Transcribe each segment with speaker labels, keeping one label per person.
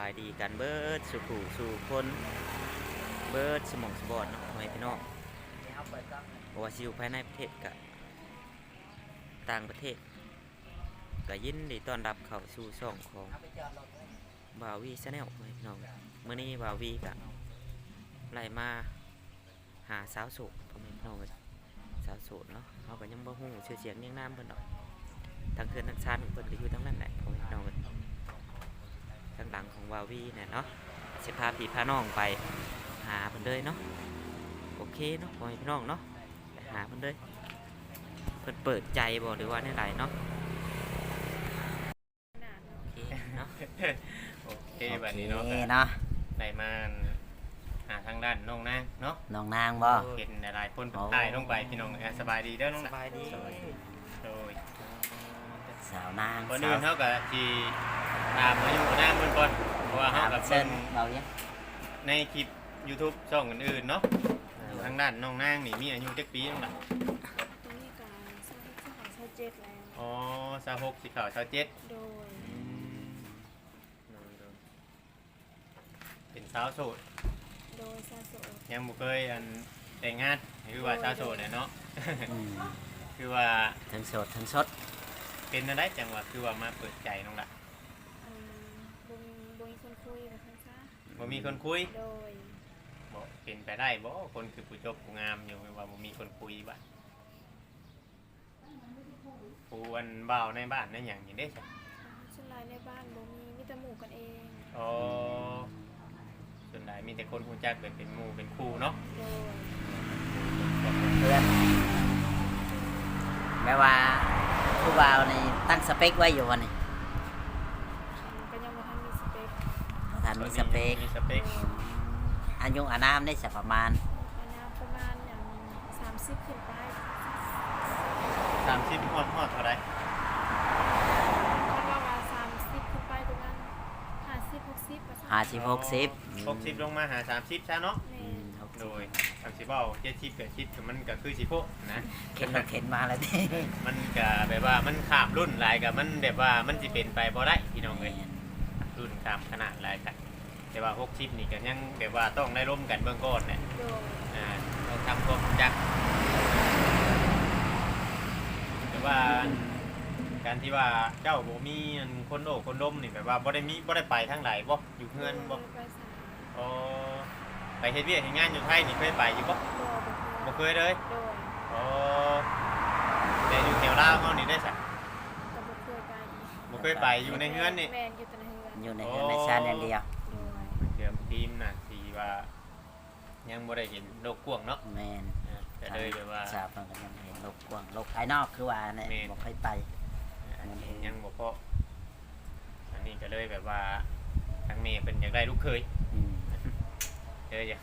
Speaker 1: ายดีกันเบิดสู่ผู้สู่คนเบิดสมองสบอดเนาะให้พี่น้องบ่ว่าสิอยู่ภายในประเทศกับต่างประเทศก็ยินดีต้อนรับเข้าสู่ช่องของบ่าววีชาแนลให้พี่น้องมื้อนี้บ่าววีก็ไล่มาหาสาวโสดพ่อแม่พี่น้องสาวโสดเนาะเฮาก็ยังบ่ฮู้ชื่อเสียงเรียงนามเพิ่นดอกทั้งเคือนทั้งชั้นเพิ่นก็อยู่ทั้งนั้นแหละพ่อแม่พี่น้องทางหลังของบ่าววีเนี่ยเนาะสิพาพี่พาน้องไปหาเพิ่นเลยเนาะโอเคเนาะพ่อแม่พี่น้องเนาะไปหาเพิ่นเลยเพิ่นเปิดใจบ่หรือว่าแนวใดเนาะโอเคเนาะ
Speaker 2: โอเคแบบนี้เนาะ
Speaker 3: เนาะ
Speaker 2: ได้มาหาทางด้านน้องนางเนาะ
Speaker 3: น้องนางบ่
Speaker 2: เห็นหลายๆคนถ่ายลงไปพี่น้องสบายดีเด้อน้อง
Speaker 1: สบายดี
Speaker 2: โดย
Speaker 3: สาวนาง
Speaker 2: คนอื่นเท่ากับที่ตามมาอยู่กับนางเพิ่นก่อนเพราะว่าเฮากับ
Speaker 3: เชิ
Speaker 2: เพิ่
Speaker 3: ญ
Speaker 2: น
Speaker 3: เบาเนี่ย
Speaker 2: ในคลิป YouTube ช่องอื่นๆเนาะทางด้านน้องนางนี่มีอายุจักปีน้องล่ะ
Speaker 4: ตอนนี้การสร้างที่เขาเช่าเจ็ดแล้ว
Speaker 2: อ๋อ26สิเข้า27
Speaker 4: โดย
Speaker 2: เป็นสาวโสด
Speaker 4: โดยซาโซ
Speaker 2: ยังบ่เคยแต่งงานคือว่าสาวโสดเนี่ยเนาะ
Speaker 3: อืม
Speaker 2: คือว่า
Speaker 3: ทั้งสดทั้งสด
Speaker 2: เป็นอะไรจังหวะคือว่ามาเปิดใจน้องล่ะ
Speaker 4: บุญคนคุยแบบนั้นซะ
Speaker 2: บ่มีคนคุย
Speaker 4: โดย
Speaker 2: บ่เป็นไปได้บ่คนคือผู้จบผู้งามอยู่ว่าบ่มีคนคุยบ่ผู้อันบ่าวในบ้านในหยังนี่เด้จ้ะ
Speaker 4: ส่วนรายในบ้านบ่มีแต่หมู่กันเอง
Speaker 2: อ๋อส่วนใหญ่มีแต่คนรู้จักแบบเป็นหมู่เป็นคู่เนาะ
Speaker 4: โดย
Speaker 3: เพื่อนแม้ว่าผู้บ่าวนี่ตั้งสเปคไว้อยู่วันนี้
Speaker 4: ก็ยังบ่ทันมีสเปค
Speaker 3: บ่ทันมีสเปค
Speaker 2: มีสเปค
Speaker 3: อายุอานามได้สักประมาณ
Speaker 4: อันนี้ประมาณอย่าง30ขึ้นไป
Speaker 2: 30ฮอดเท่าใด
Speaker 4: ถ้าว่า30ขึ้นไปตรงนั้น50 60ประมาณ
Speaker 3: 50 60
Speaker 2: 60ลงมาหา30ซะเนาะ
Speaker 4: แม่
Speaker 2: โดย30เว้า70 80ก็มันก็คือสิโพะนะ
Speaker 3: เข็นรถเข็นมาแล้วดิ
Speaker 2: มันก็แบบว่ามันข้ามรุ่นหลายกับมันแบบว่ามันสิเป็นไปบ่ได้พี่น้องเอ้ยรุ่นข้ามขนาดหลายกันแต่ว่า60นี่ก็ยังแบบว่าต้องได้ร่วมกันเบื้องก่อนเนี่ย
Speaker 4: โดย
Speaker 2: ต้องทำความรู้จักแต่ว่าการที่ว่าเจ้าบ่มีอันคนโอ้คนล้มนี่แบบว่าบ่ได้ไปทางไหนบ่อยู่เฮือนบ่
Speaker 4: ไปสาย
Speaker 2: อ๋อไปเฮ็ดเวียกเฮ็ดงานอยู่ไทยนี่เคยไปอยู่บ่บ่เคยเลย
Speaker 4: โดย
Speaker 2: อ๋อแต่อยู่แถวลาวเฮานี่ได้ซะ
Speaker 4: ก็บ่เคยไป
Speaker 2: บ่เคยไปอยู่ในเฮือนนี่
Speaker 4: แม่นอยู่แต่ในเฮือน
Speaker 3: อยู่ในเรือนในชาติอย่างเดียว
Speaker 4: โดย
Speaker 2: เกือบทีมน่ะสิว่ายังบ่ได้เห็นโลกกว้างเนาะ
Speaker 3: แมน
Speaker 2: ก็เลยแบบว่า
Speaker 3: ทราบมันก็ยังเห็นโลกกว้างโลกภายนอกคือว่าเนี่ย
Speaker 2: แม่น
Speaker 3: บ่ค่อยไป
Speaker 2: ยังบ่พออันนี้ก็เลยแบบว่าทางเมย์เป็นอยากได้ลูกเคย
Speaker 3: อืม
Speaker 2: อยาก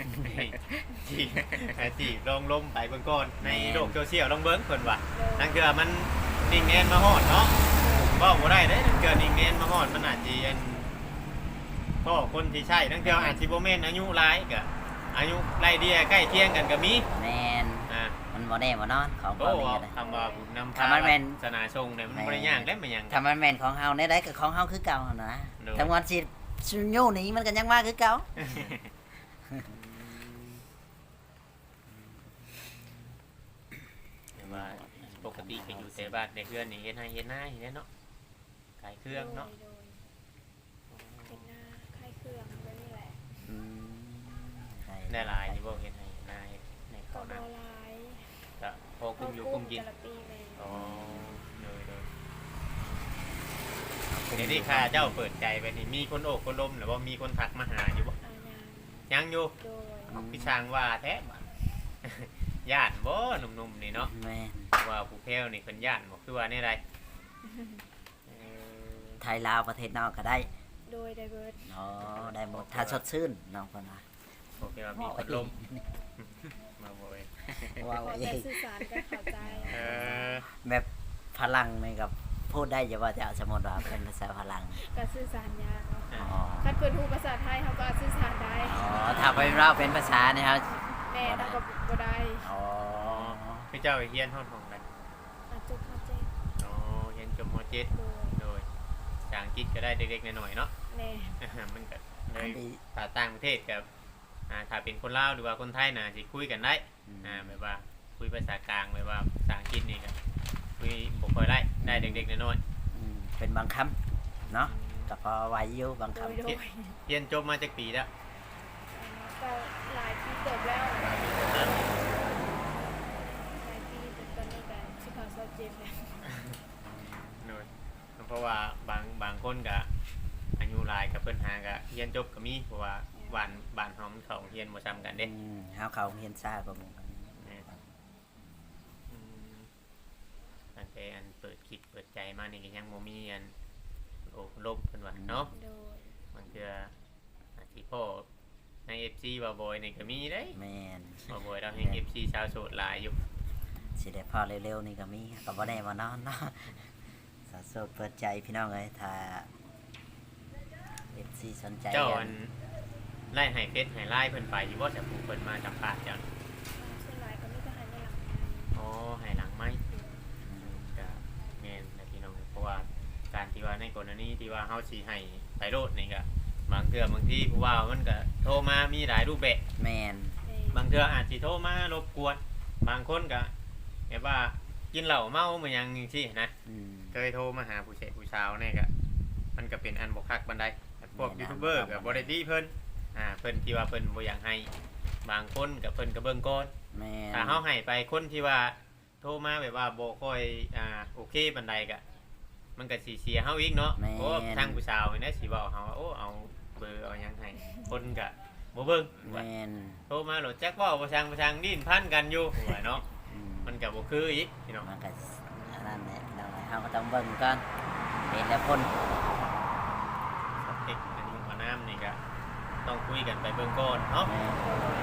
Speaker 2: จีบลองล้มไปเบิ่งก่อนในโลกโซเชียลลองเบิ่งเพิ่นว่านั่นคือมันนิ่งแน่นมาฮอดเนาะเว้าบ่ได้เด้นั่นคือนิ่งแน่นมาฮอดมันอาจสิอันพ่อคนที่ใช่นั่นคืออาจสิบ่แม่นอายุหลายก็อายุไล่เดียใกล้เคียงกันก็มี
Speaker 3: แมน
Speaker 2: อ่า
Speaker 3: มันบ่แน่บ่นอนของ
Speaker 2: โอ้
Speaker 3: บ่นี่ก็ได้
Speaker 2: คำว่าบุญนำพา
Speaker 3: ถ้ามันแม่น
Speaker 2: ศาสนาทรงเนี่ยมันบ่ได้ยากได้มันหยัง
Speaker 3: ถ้ามันแม่นของเฮาในได้ก็ของเฮาคือเก่าหั่นนะ
Speaker 2: โดย
Speaker 3: ถ้ามันสิโย่หนี้มันก็ยังมาคือเก่า
Speaker 2: แต่ว่าปกติก็อยู่แต่บ้านในเฮือนนี่เฮ็ดให้เฮ็ดหน้าเฮ็ดเนาะขายเครื่องเนาะ
Speaker 4: โดยเป็นหน้าคล้ายเครื่องแบบนี้แหละ
Speaker 3: อืม
Speaker 2: ได้หลายอยู่บ่เฮ็ดให้หน้าเฮ็ดใน
Speaker 4: ก็
Speaker 2: ข้าว
Speaker 4: บ
Speaker 2: หน้า
Speaker 4: ลาย
Speaker 2: ก็พอกุ้มอยู่กุ้มกิน
Speaker 4: แต่ละปีเลย
Speaker 2: อ๋อเลยเดี๋ยวนี้ค่ะเจ้าเปิดใจไปนี่มีคนโอบคนล้มหรือว่ามีคนทักมาหาอยู่บ่
Speaker 4: อาญา
Speaker 2: ยังอยู่
Speaker 4: โดย
Speaker 2: พี่ช้างว่าแท้ บ่ย่านบ่หนุ่มๆนี่เนาะ
Speaker 3: แม่น
Speaker 2: ว่าผู้แพ้วนี่เพิ่นย่านบ่คือว่านี่ไรเออ
Speaker 3: ไทยลาวประเทศนอกก็ได้
Speaker 4: โดยไดเบิร์ด
Speaker 3: อ๋อได้หมดถ้าสดชื่นน้องเพิ่นว่า
Speaker 2: ผู้แพ้วมีพัดลมมาบ่เว้ย
Speaker 3: ว้าว
Speaker 4: ขอ
Speaker 3: เอ้
Speaker 4: แต่
Speaker 3: ย
Speaker 4: สื่อสารกันเข้าใจ
Speaker 2: เออ
Speaker 3: แบบพลังนี่กับพูดได้อยู่ว่าจะสมมติว่าเป็นภาษาพลัง
Speaker 4: ก็สื่อสารยากเนาะ
Speaker 3: อ๋อ
Speaker 4: คันเพิ่นฮู้ภาษาไทยเขาก็สื่อสารได้
Speaker 3: อ๋อถ้าไปเราเป็นภาษาเนี่ยครับ
Speaker 4: แม่ต้องก็บ่ได้
Speaker 3: อ๋อ
Speaker 2: พี่เจ้าเฮียนห้องของกัน
Speaker 4: อาจจะเข้าใจ
Speaker 2: อ๋อเฮียนจบม .7
Speaker 4: โดย
Speaker 2: โดยภาษาอังกฤษก็ได้เด็กๆหน่อยๆเนาะ
Speaker 4: โแม่
Speaker 2: มันก็เล
Speaker 3: อั
Speaker 2: ย
Speaker 3: นนี้
Speaker 2: ถ้าต่างประเทศกับถ้าเป็นคนลาวหรือว่าคนไทยน่ะสิคุยกันได้แบบว่าคุยภาษากลางแบบว่าภาษาอังกฤษนี่ก็คุยบ่ค่อยได้เด็กๆน้อย
Speaker 3: เป็นบางคำเนาะก็พอไหวอยู่บาง
Speaker 4: โด
Speaker 3: คำ
Speaker 4: ย
Speaker 2: ๆเรียนจบมาจากปีแล้ว
Speaker 4: ก็หลายปีเติบแล้วหลายปีแต่ตอนนี้ก็สิเขาเศร้าเจ็บแล้ว
Speaker 2: น้อยเพราะว่าบางคนก็อายุหลายกับเพิ่นหาก็เรียนจบก็มีเพราะว่าบ้านเฮามันเข้าเรียนบ่ซ้ำกันเด้
Speaker 3: เฮาเขาเฮียนซ่ากว่าหมู่กัน
Speaker 2: ตั้งแต่อันเปิดคิดเปิดใจมานี่ก็ยังบ่มีอันโอ้ลบเพิ่นว่าเนาะ
Speaker 4: โดย
Speaker 2: บางเทื่ออาชีพพ่อใน FC บ่าวบอยนี่ก็มีเด้
Speaker 3: แม่น
Speaker 2: บ่าวบอยเราให้ FC ชาวโสดหลายอยู่
Speaker 3: สิได้พอเร็วๆนี่ก็มีก็บ่ได้มานอนเนาะสาวโสดเปิดใจพี่น้องเอ้ยถ้า FC สนใจ
Speaker 2: เจ้าอันไล่ให้เฟซให้ไล่เพิ่นไปอยู่บ่จะผู้เพิ่นมาสัมภาษณ์เจ้า
Speaker 4: ส่วนหลายก็มีแต่หันในหลัง
Speaker 2: อ๋อให้หลังไม้ก็แม่นนะพี่น้องเพราะว่าการที่ว่าในกรณีที่ว่าเฮาสิให้ไปโลดนี่ก็บางเทื่อบางทีผู้ว่ามันก็โทรมามีหลายรูปแบบ
Speaker 3: แม่น
Speaker 2: บางเทื่ออาจสิโทรมารบกวนบางคนก็แบบว่ากินเหล้าเมาเหมือนหยังจังซี่นะ
Speaker 3: อืม
Speaker 2: เคยโทรมาหาผู้เฒ่ผู้สาวเนี่ยก็มันก็เป็นอันบ่คักบันไดพวก
Speaker 3: แม่น
Speaker 2: ยูทูบเบอร์ก็บ่ได้ดีเพิ่นเพิ่นที่ว่าเพิ่นบ่อยากให้บางคนก็เพิ่นก็เบิ่งก่อน
Speaker 3: แม่น
Speaker 2: ถ้าเฮาให้ไปคนที่ว่าโทรมาแบบว่าบ่ค่อยโอเคบันไดก็มันก็สิเสียเฮาอีกเนาะโอ้ทางผู้สาวเนี่ยสิเว้าเฮาว่าโอ้เอาเบอร์เอาหยังให้คนก็บ่เบิ่งว่า
Speaker 3: แม่น
Speaker 2: โทรมาโหลดแจ็คเว้าบ่ช่างดิ้นพันกันอยู่ว่าเนาะ
Speaker 3: อืม
Speaker 2: มันก็บ่คืออีกพี่น้อง
Speaker 3: มันก็อันนั้นแหละเราเฮาก็ต้องเบิ่งก่อนเป็นแล้วคน
Speaker 2: เอกอันนี้มาน้ำนี่ก็ต้องคุยกันไปเบื้องก่อนเนาะ
Speaker 3: แม่น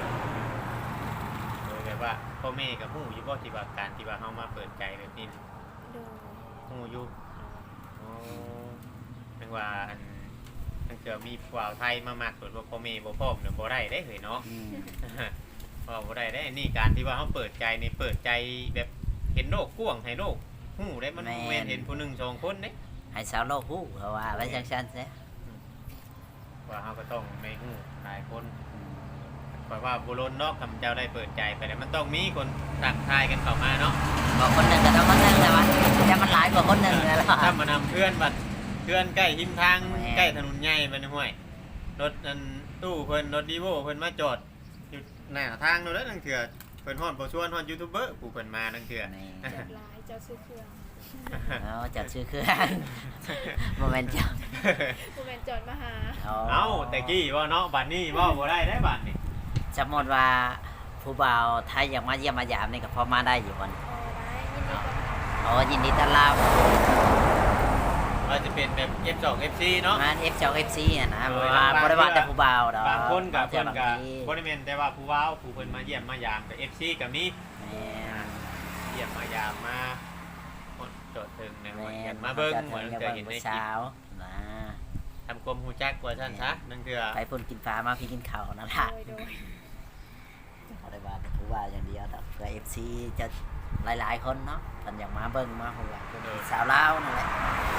Speaker 2: โดยแบบว่าพ่อแม่กับหูอยู่บ่ที่ว่าการที่ว่าเฮามาเปิดใจแบบนี้
Speaker 4: โดย
Speaker 2: หูอยู่อ๋อจังว่าอันตั้งแต่มีผู้บ่าวไทยมามากส่วนว่าพ่อแม่บ่พร้อมเนี่ยบ่ได้เด้เฮ้ยเนาะ
Speaker 3: อืม
Speaker 2: บ่ได้ได้อันนี้การที่ว่าเฮาเปิดใจนี่เปิดใจแบบเห็นโลกกว้างให้โลกหูได้มันบ่แม่นเห็นผู้หนึงสองคนเด้
Speaker 3: ให้สาวโลกฮู้เพราะว่าไว้จังซั่นซะ
Speaker 2: ว่าเฮาก็ต้องในหูหลายคน เพราะว่าบุรุษนอกคำเจ้าได้เปิดใจไปแล้วมันต้องมีคนตักทายกันเข้ามาเนาะ
Speaker 3: บอกคนหนึ่งก็ต้องคนหนึ่งแต่ว่าแต่มันหลายกว่าคนหนึ่งเลยล่ะ
Speaker 2: ถ้ามานำเพื่อนบัดเพื่อนใกล้หิมทาง
Speaker 3: แม่
Speaker 2: ใกล้ถนนใหญ่มันห้วยรถอันตู้เพิ่นรถดีโวเพิ่นมาจอดอยู่หน้าทางโน่นแล้วนั่นคือเพิ่นฮอดบ่ชวนฮอดยูทูบเบอร์ผู้เพิ่นมานั่นคือ
Speaker 3: นี่
Speaker 4: เจ็บหลายเจ้าซื้อเครื่อง
Speaker 3: เอาจัดชื่อเครื่องโมเมนต์จัง
Speaker 4: ผู้เป็นจอดมาหา
Speaker 2: เอ้าแต่กี้ว่าเนาะบัดนี้ว่าบ่ได้ได้บัดนี้
Speaker 3: สมมติว่าผู้บ่าวไทยอยากมาเยี่ยมมายามนี่ก็พอมาได้อยู่วัน
Speaker 4: อ๋อได้ยินดีต้อนรับ
Speaker 3: อ๋อยินดีต้อนรับ
Speaker 2: ว่าจะเป็นแบบ F2 FC เนาะ
Speaker 3: งาน F2 FC อ่ะนะบ่ว่าบ่ได้ว่าแต่ผู้บ่าวดอก
Speaker 2: บางคนกับ
Speaker 3: เจ
Speaker 2: เพิ่
Speaker 3: อน บาง
Speaker 2: กับ
Speaker 3: ที
Speaker 2: บ่ได้แม่นแต่ว่าผู้ว้าวผู้เพิ่นมาเยี่ยมมายามกับ FC ก็มี
Speaker 3: แม่น
Speaker 2: เยี่ยมมายามมาจดถึงในวัน
Speaker 3: แม่
Speaker 2: เห็
Speaker 3: น
Speaker 2: นมาเบิ้ง
Speaker 3: จะ
Speaker 2: เหมือน
Speaker 3: ถึง
Speaker 2: เค
Speaker 3: จะ
Speaker 2: ย
Speaker 3: เบิ่
Speaker 2: เห็
Speaker 3: ง
Speaker 2: นใน
Speaker 3: ผู้
Speaker 2: คลิป
Speaker 3: สาวนะ
Speaker 2: ทำกลมหูจักกว่าท่านซะนั่นคือ
Speaker 3: ไปพุ่นกินฟ้ามาพี่กินข้าวนั่นล่ะ
Speaker 4: โดย
Speaker 3: บ่ได้ว่าแต่ผู้บ่าวอย่างเดียวดอกเพื่อ FC จะหลายๆคนเนาะเพิ่นอยากมาเบิ่งมาเพราะว่าเป็นสาวลาวนั่นแหละ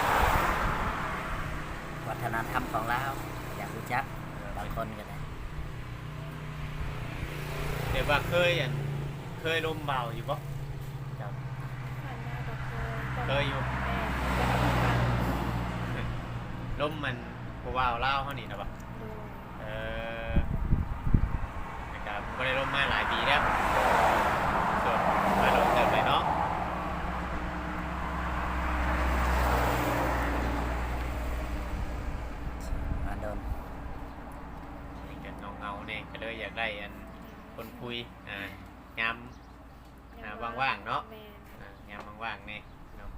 Speaker 3: วัฒนธรรมของลาวอยากรู้จักบางคนก็ได้
Speaker 2: เดี๋ยวว่าเคยลมเบาอยู่ปะ
Speaker 4: ผ่านมากับ
Speaker 2: เคยอยู่
Speaker 4: แม่
Speaker 2: ลมมันกูว่าวเล่าวเขานี่นะปะ
Speaker 4: โดย
Speaker 2: เออนะครับก็ได้ลมมาหลายปีแล้วส่วนมาลมเติมไปเนาะ
Speaker 3: มาโดน
Speaker 2: นี่กันเงาเนี่ยก็เลยอยากได้อันคนคุยยาม ว่างๆเนาะ
Speaker 4: แม่
Speaker 2: ยามว่างๆเนี่ยเนาะ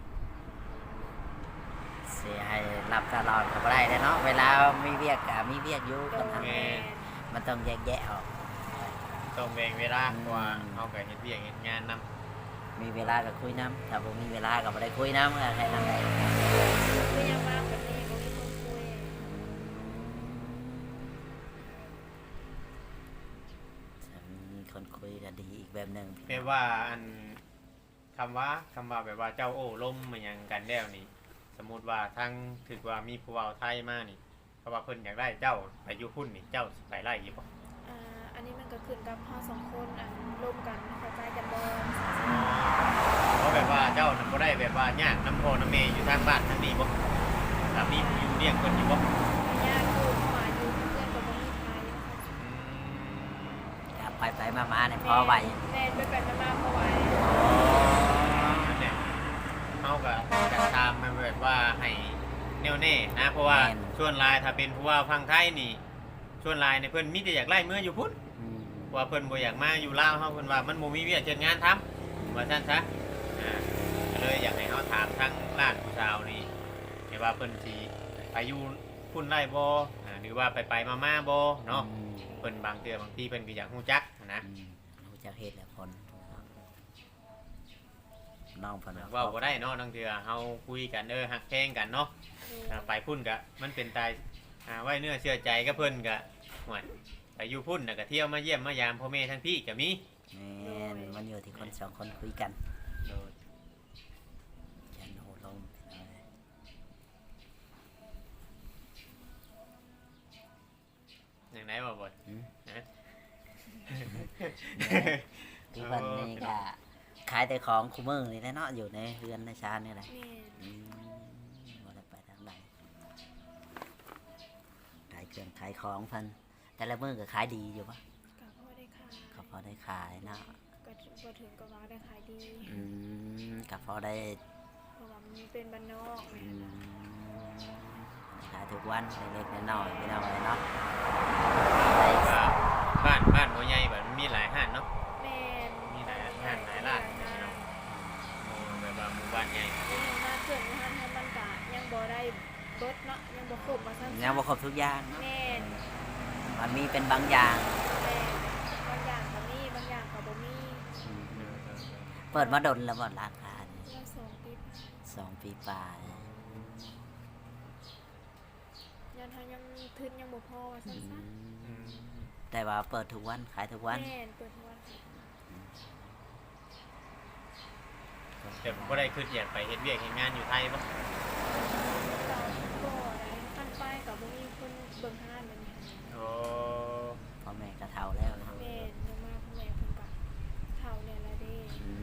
Speaker 3: เสียให้รับตลอดก็บ่ได้เนาะเวลามีเวียกก็มีเวียกอยู่คนทำ
Speaker 4: แม่
Speaker 3: มันต้องแยกแยะออก
Speaker 2: ต้องแบ่งเวลาเพราะว่าเขาก็เห็นเวียกเห็นงานนำ
Speaker 3: มีเวลาก็คุยน้ำถ้าบ่มีเวลาก็บ่ได้คุยน้ำก็แค่นั้นแหละ
Speaker 4: คือยังว่างแบบนี้ก็มีคนคุย
Speaker 3: ถ้ามีคนคุยก็ดีอีกแบบหนึ่ง
Speaker 2: แปลว่าอันคำว่าแบบว่าเจ้าโอ้ล้มมายังกันแล้วนี่ สมมุติว่าทั้งถือว่ามีผู้เว้าไทยมานี่เพราะว่าเพิ่นอยากได้เจ้าไปอยู่พุ่นนี่เจ้าสิไปไล่อยู่บ่
Speaker 4: อันนี้มันก็ขึ้นกับเราสองคนร่วมกันเข้าใจกันบ่
Speaker 2: เพราะแบบว่าเจ้านั้นบ่ได้แบบว่ายากน้ำพ่อน้ำแม่อยู่ทางบ้านทางนี้บ่ถ้ามีผู้อยู่เลี้ยงเพิ่นอยู่บ่
Speaker 4: ยากอยู่เพราะว่าอยู่เพื่อนก็บ่มีใคร
Speaker 3: ก็ไปมาๆเนี่ยพอไหว
Speaker 4: แม่ไปมาพอไหว
Speaker 2: นั่นแหละเฮาก็จะตามมันแบบว่าให้แน่วแน่นะเพราะว่าส่วนหลายถ้าเป็นผู้ว่าฟังไทยนี่ส่วนหลายเนี่ยเพิ่นมีแต่อยากไล่เมื่ออยู่พุ่น
Speaker 3: อืม
Speaker 2: ว่าเพิ่นบ่อยากมาอยู่ลาวเฮาเพิ่นว่ามันบ่มีเวียกเฮ็ดงานทำว่าซั่นซะก็เลยอยากให้เฮาถามทั้งร้านผู้สาวนี่ให้ว่าเพิ่นสิไปอยู่พุ่นได้บ่หรือว่าไปมาๆบ่เนาะเพิ่นบางเทื่อบางทีเพิ่นก็อยากฮู้จักนะ
Speaker 3: รู้จักเฮ็ดแล้วคนน้องเพิ่น
Speaker 2: เว้าบ่ได้เนาะบางเทื่อเฮาคุยกันฮักแพงกันเนาะไปพุ่นก็มันเป็นตายไว้เนื้อเชื่อใจกับเพิ่นก็ห่วยไปอยู่พุ่นน่ะก็เที่ยวมาเยี่ยมมายามพ่อแม่ทั้งพี่ก็มี
Speaker 3: แม่นมันอยู่ที่คนสองคนคุยกัน
Speaker 2: โดย
Speaker 3: ยันโหลม
Speaker 2: อย่างไหนบ่บ่
Speaker 3: ทุกวันนี้ก็ขายแต่ของคู่มือนี่แหละเนาะอยู่ในเรือนในชานนี่แหละ
Speaker 4: แม่
Speaker 3: บ่ได้ไปทางใดขายเครื่องขายของเพันแต่ละมื้อก็ขายดีอยู่ปะ
Speaker 4: ก็พอได้ขาย
Speaker 3: ก็พอได้ขายเนาะ
Speaker 4: ก็บ่ถึงกับว่าได้ขายดี
Speaker 3: ก็พอได้
Speaker 4: เพราะว่ามันเป็นบ้านนอกแม่
Speaker 3: ขายทุกวันเล็กๆน้อยๆพี่น้องเลยเนาะ
Speaker 2: ว่าบ้านบ่ใหญ่แบบมันมีหลายห้านเนาะ
Speaker 4: แม่น
Speaker 2: มีหลายห้านหลายร้านพี่น้องแบบว่าหมู่บ้านใหญ่
Speaker 4: ยังมาเกิดมาทำมันก็ยังบ่ได้เบิดเนาะยังบ่ครบมาซั่น
Speaker 3: ยังบ่ครบทุกอย่างเนาะ
Speaker 4: แม่น
Speaker 3: มันมีเป็นบางอย่าง
Speaker 4: แม่นบางอย่างก็มีบางอย่างก็บ่มี
Speaker 3: เปิดมาดนแล้วบ่ราคานี่
Speaker 4: ว่า2 ปี
Speaker 3: 2 ปีปลาย
Speaker 4: ยันเฮายังทุนยังบ่พอว่าซั่นซะ
Speaker 3: แต่ว่าเปิดทุกวันขายทุกวัน
Speaker 4: แม่นเปิดทุกวันค่ะ
Speaker 2: แต่ผมก็ได้คืออยากไปเฮ็ดเวียกเฮ็ดงานอยู่ไทยบ่
Speaker 4: เราก็ได้ขั้นไปก็บ่มีคนเบิ่งห้านแบบนี้
Speaker 2: โอ้
Speaker 3: พ่อแม่ก็เฒ่าแล้วเนาะ
Speaker 4: แม่นยังมาพ่อแม่เพิ่นก็เฒ่าแล้วล่ะเด้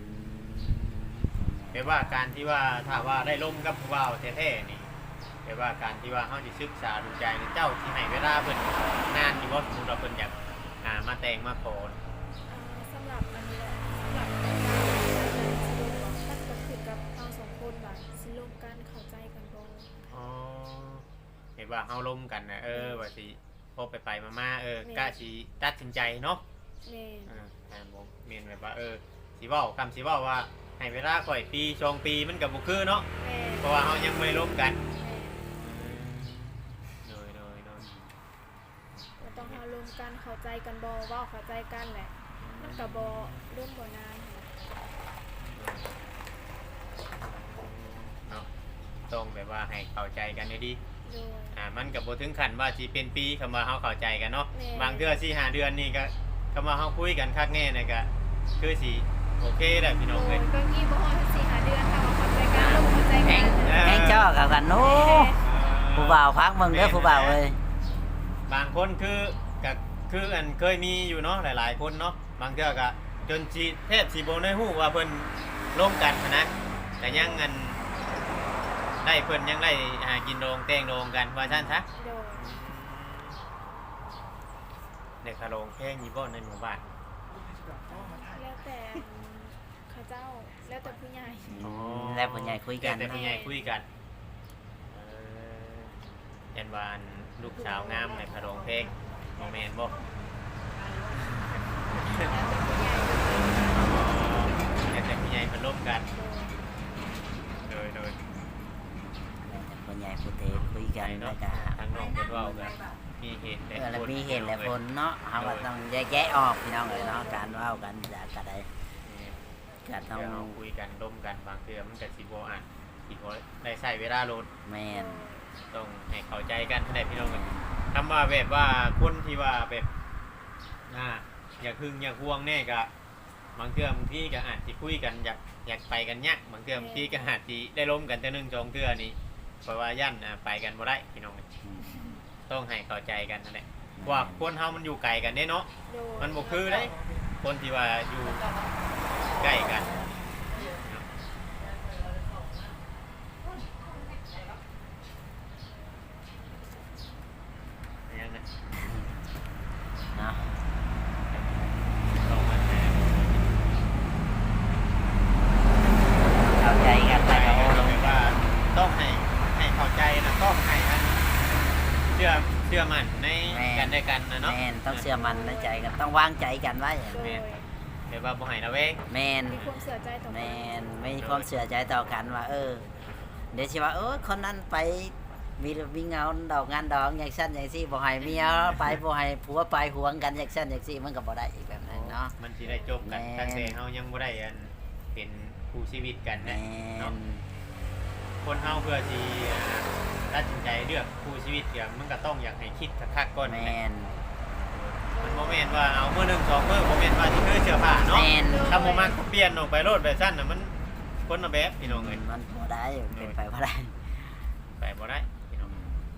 Speaker 2: แปลว่าการที่ว่าถ้าว่าได้ร่มกับผู้บ่าวแท้ๆนี่แปลว่าการที่ว่าเฮาสิศึกษาดูใจในเจ้าที่ให้เวลาเพิ่นนานอยู่บ่สมมุติว่าเพิ่นอยากมาแต่งมาขอ
Speaker 4: สำหรับอันนี้แหละสำหรับการสิลงมันก็ขึ้นกับเราสองคนว่าสิลงกันเข้าใจกันบ่
Speaker 2: อ๋อเห็นว่าเฮาร่มกันนะว่าสิพอไปมาๆกล้าสิตัดสินใจเนาะ
Speaker 4: แม่น
Speaker 2: ผมเมนแบบว่าสิเว้าคำสิเว้าว่าให้เวลาข่อยปี2 ปีมันก็บ่คือเนาะ
Speaker 4: แม่น
Speaker 2: เพราะว่าเฮายังไม่ได้ร่มกัน
Speaker 4: แม่น
Speaker 2: โดย
Speaker 4: ก็ต้องเฮารวมกันเข้าใจกันบ่เว้าเข้าใจกันแหละ มันก็บ่ร่วมบ่นานค่ะ
Speaker 2: เนาะต้องแบบว่าให้เข้าใจกันดี
Speaker 4: โดย
Speaker 2: มันก็บ่ถึงขั้นว่าสิเป็นปีคำว่าเฮาเข้าใจกันเนาะ
Speaker 4: แม่
Speaker 2: บางเทื่อ4-5 เดือนนี่ก็คำว่าเฮาคุยกันคักแน่นี่ก็คือสิโอเคแหละพี่น้อง
Speaker 4: โด
Speaker 2: เอ้
Speaker 4: ย
Speaker 2: ย
Speaker 4: บางทีบ่ฮอด4-5 เดือนถ้าว่าเข้าใจกันร่วมเข้าใจกัน
Speaker 3: แม่งจ้อกับกันโน้ผู้บ่าวพักมึงเด้อผู้บ่าวเอ้ย
Speaker 2: บางคนก็คืออันเคยมีอยู่เนาะหลายๆคนเนาะบางเทื่อก็จนสิแทบสิบ่ได้ฮู้ว่าเพิ่นร่วมกันนะแต่ยังอันได้เพิ่นยังได้กินโรงแต่งโรงกันว่าซั่นซะ
Speaker 4: โดย
Speaker 2: ในคาโรงแพงอยู่บ่ในหมู่บ้าน
Speaker 4: แล้วแต่เขาเจ้าแล้วแต่ผู้ใหญ่
Speaker 3: แล้วผู้ใหญ่คุยกัน
Speaker 2: แต่ผู้ใหญ่คุยกันยันวาอันลูกสาวงามในคาโรงเพลงบ่แม่นบ่
Speaker 4: แล้วแต่ผู้ใหญ่
Speaker 2: แต่ผู้ใหญ่เพิ่นร่วมกัน
Speaker 4: โดย
Speaker 2: โดย
Speaker 3: แล้วแต่ผู้ใหญ่ผู้เทคุยกันแล้วก็
Speaker 2: ทางน้องเพิ่นเว้ากันมีเหตุและ
Speaker 3: แล้ว
Speaker 2: ผล
Speaker 3: มีเหตุและผลเนาะเฮาก็ต้องแยกแยะออกพี่น้องเอ้ยเนาะการเว้ากันก็ได้ก็ต้
Speaker 2: ต้
Speaker 3: อ
Speaker 2: อง งคุยกันร่วมกันบางเทื่อมันก็สิบ่อ่านสิบ่ได้ใช้เวลาโลด
Speaker 3: แม่น
Speaker 2: ต้องให้เข้าใจกันให้ได้พี่น้องกันคำว่าแบบว่าคนที่ว่าแบบอยากหึงอยากห่วงแน่ก็บางเทื่อบางทีก็อาจสิคุยกันอยากไปกันยากบางเทื่อบางทีก็อาจสิได้ร่วมกันแต่1-2 เทื่อนี่เพราะว่าย่านไปกันบ่ได้พี่น้อง
Speaker 3: อืม
Speaker 2: ต้องให้เข้าใจกันนั่นแหละว่าคนเฮามันอยู่ไกลกันเด้เนาะ
Speaker 4: โดย
Speaker 2: มันบ่คือเด้คนที่ว่าอยู่ใกล้กันยังนะ
Speaker 3: เนาะ
Speaker 2: ต้องมาแทน
Speaker 3: เข้าใจกันแล้วก็โอ้ลง
Speaker 2: ว่าต้องให้เข้าใจนะต้องให้อันเชื่อมั่นในกันด้วยกันนะเนาะ
Speaker 3: แมนต้องเชื่อมันในใจกันต้องวางใจกันไว้
Speaker 4: โดย
Speaker 2: เดี๋ยวว่าบ่ให้นะเว้ย
Speaker 3: แมน
Speaker 4: มีความเสียใจต่อ
Speaker 3: แม
Speaker 4: กัน
Speaker 3: นไม่ความเชื่อใจต่อกันว่า เดี๋ยวสิว่าคนนั้นไปมีเงาดอกงานดอกอย่างสั้นอย่างซี่บ่ให้เมียไปบ่ให้ผัวไปหวงกันอย่างสั้นอย่างซี่มันก็บ่ได้อีกแบบนั้นเนาะ
Speaker 2: มันสิได้จบกัน
Speaker 3: แม่น
Speaker 2: ตั้งแต่เฮายังบ่ได้อันเป็นคู่ชีวิตกัน
Speaker 3: แม
Speaker 2: นะเนาะ
Speaker 3: น
Speaker 2: คนเฮาเพื่อที่ตัดสินใจเลือกคู่ชีวิตเนี่ยมันก็ต้องอยากให้คิดคักๆก่อน
Speaker 3: แม
Speaker 2: แหละ
Speaker 3: น
Speaker 2: มันบ่แม่นว่าเอามื้อหนึง2มื้อบ่แม่นว่าสิคือเสื้อผ้า
Speaker 3: แม
Speaker 2: เนาะ
Speaker 3: น
Speaker 2: ถ้าบ่มักก็เปลี่ยนออกไปโลดแบบซั่นน่ะมันคนละแบบพี่น้องเอ้ย
Speaker 3: มันบ่ได้เป็นไปบ่ได้
Speaker 2: ไปบ่ได้พี่น้อง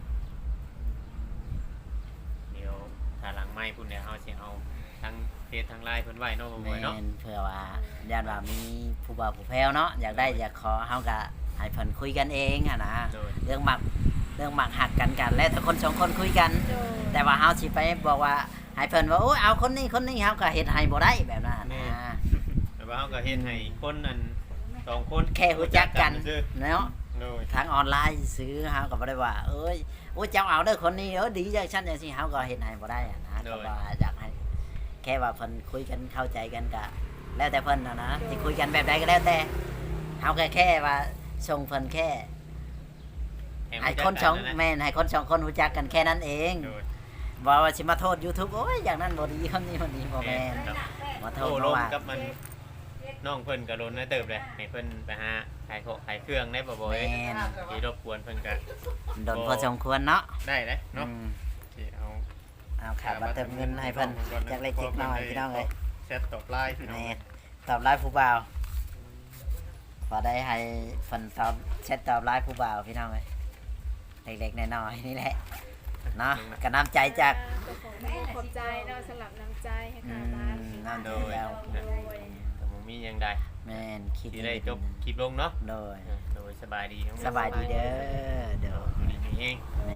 Speaker 2: เดี๋ยวถ้าหลังไม้พุ่นเดี๋ยวเฮาสิเอาทั้งเฟซทั้งไลน์เพิ่นไว้เนาะบ่
Speaker 3: แม
Speaker 2: บ่อยเนาะ
Speaker 3: นเพื่อว่าญาติว่ามีผู้บ่าวผู้แพ้วเนาะอยากได้อยากขอเฮาก็ให้เพิ่นคุยกันเองอะนะ
Speaker 2: โดย
Speaker 3: เรื่องหมักหักกันแล้วถ้าคนสองคนคุยกัน
Speaker 4: โดย
Speaker 3: แต่ว่าเฮาสิไปบอกว่าให้เพิ่นว่าโอ้ยเอาคนนี้เฮาก็เฮ็ดให้บ่ได้แบบนั้น
Speaker 2: แม่
Speaker 3: นะ
Speaker 2: แต่ว่าเฮาก็เฮ็ดให้คนนั้น2คน
Speaker 3: แค่รู้จักกัน
Speaker 2: ซื่อ
Speaker 3: เนาะ
Speaker 2: โดย
Speaker 3: ทางออนไลน์ซื้อเฮาก็บ่ได้ว่าโอ้ยเจ้าเอาเด้อคนนี้ดีจังซั่นจังซี่เฮาก็เฮ็ดให้บ่ได้อะนะก็ว่าอยากให้แค่ว่าเพิ่นคุยกันเข้าใจกันก็แล้วแต่เพิ่นนะสิคุยกันแบบใดก็แล้วแต่เฮาแค่ว่าส่งเพิ่นแค่ให้คนสองแม่นให้คนสองคนรู้จักกันแค่นั้นเอง
Speaker 2: โดย
Speaker 3: บอกว่าสิมาโทษ YouTube โอ้ยอย่างนั้นบ่ดีคนนี้บ่แม่น
Speaker 2: ครับ
Speaker 3: มาโท
Speaker 2: โอ้
Speaker 3: ษ
Speaker 2: ล
Speaker 3: เพราะ
Speaker 2: ม
Speaker 3: ว่า
Speaker 2: กับมันน้องเพิ่นก็โดนได้เติบเลยให้เพิ่นไปหาขายเครื่องได้บ่บ่เอ้ย
Speaker 3: แม่น
Speaker 2: ที่รบกวนเพิ่นก็
Speaker 3: โดนพอสมควรเนาะ
Speaker 2: ได้เลยเนาะ
Speaker 3: อืม
Speaker 2: ที่เอา
Speaker 3: เอาขาดมาเติมเงินให้เพิ่นจากเล็กจิกน้อยพี่น้องเอ้ย
Speaker 2: แชทตอบไลน์พี่น้อง
Speaker 3: แม่ตอบไลน์ผู้บ่าวพอได้ให้เพิ่นตอบแชทตอบไลน์ผู้บ่าวพี่น้องเอ้ยเล็กๆน้อยๆนี่แหละเนาะก็น้ำใจจาก
Speaker 4: ขอบใจเนาะสำหรับน้ำใจให้
Speaker 3: อื
Speaker 4: ค่ะบ้าน
Speaker 3: มน้ำใจแล้ว
Speaker 4: โดย
Speaker 2: แต่บ่มีหยังใด
Speaker 3: แม่นคิด
Speaker 2: ที่ได้จบคลิปลงเนาะ
Speaker 3: โดย
Speaker 2: โดยสบายดีทั้งหมด
Speaker 3: สบายดีเด้อเด้อ
Speaker 2: ดีนี่เอง